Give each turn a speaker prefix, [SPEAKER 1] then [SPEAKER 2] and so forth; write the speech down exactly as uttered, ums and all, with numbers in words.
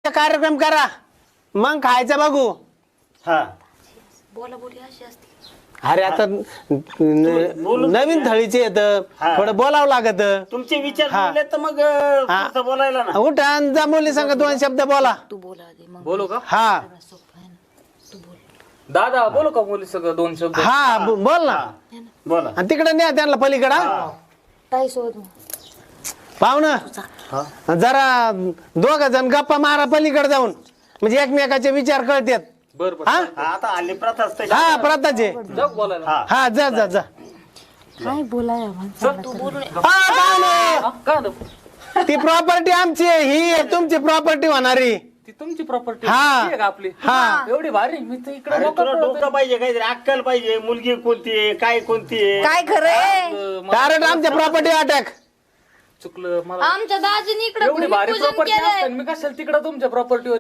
[SPEAKER 1] कार्यक्रम करा मग खायचं बघू.
[SPEAKER 2] हा
[SPEAKER 3] बोला बोली अशी असते.
[SPEAKER 1] अरे आता न- नवीन थळीचे येत
[SPEAKER 2] हा.
[SPEAKER 1] थोडं बोलावं लागत.
[SPEAKER 2] तुमचे विचार
[SPEAKER 1] हा.
[SPEAKER 2] बोलले तर मग अं,
[SPEAKER 1] हा.
[SPEAKER 2] पुढचं बोलायला ना.
[SPEAKER 1] उठा आणि जा मुली संग दोन शब्द बोला.
[SPEAKER 3] तू बोला आधी मग
[SPEAKER 4] बोलू का
[SPEAKER 1] हा
[SPEAKER 3] सोपं आहे ना. तू बोल.
[SPEAKER 4] दादा बोलू का मुली सगळं दोन शब्द
[SPEAKER 1] हा ब- बोल ना.
[SPEAKER 2] बोला
[SPEAKER 1] आणि तिकडे न्या त्यांना पलीकडा
[SPEAKER 3] ताई सोबत मग.
[SPEAKER 1] पाहुणं जरा दोघ जण गप्पा मारा पलीकडे जाऊन म्हणजे एकमेकाचे विचार कळतात.
[SPEAKER 4] बर बर
[SPEAKER 1] हा
[SPEAKER 2] हा, आता हल्ली प्रथाच तशी.
[SPEAKER 1] हा प्रताचे
[SPEAKER 4] जाऊ बोलायला
[SPEAKER 2] हा
[SPEAKER 1] हा जा जा जा.
[SPEAKER 3] काय बोलाय म्हणता तू बोलू नये.
[SPEAKER 1] हा, पाहुणे
[SPEAKER 4] हा, का नको?
[SPEAKER 1] ती प्रॉपर्टी आमची आहे, ही आहे तुमची प्रॉपर्टी होणारी.
[SPEAKER 4] ती तुमची प्रॉपर्टी
[SPEAKER 1] हा.
[SPEAKER 4] आहे का आपली
[SPEAKER 1] हा.
[SPEAKER 4] एवढी भारी मी तर इकडे
[SPEAKER 2] अरे,
[SPEAKER 4] मोकळं
[SPEAKER 2] तुला
[SPEAKER 4] पळतोय.
[SPEAKER 2] डोकं पाहिजे काहीतरी अक्कल पाहिजे. मुलगी कोणती आहे काय कोणती आहे.
[SPEAKER 3] काय खरंय
[SPEAKER 4] अं, मला
[SPEAKER 1] कारण आमच्या प्रॉपर्टी अटॅक.
[SPEAKER 4] चुकलं मला
[SPEAKER 3] आमच्या दाजीने इकडे
[SPEAKER 4] एवढी भारी
[SPEAKER 3] भूमिपूजन
[SPEAKER 4] प्रॉपर्टी
[SPEAKER 3] केलंय.
[SPEAKER 4] असताना मी कशाला तिकडे तुमच्या प्रॉपर्टीवर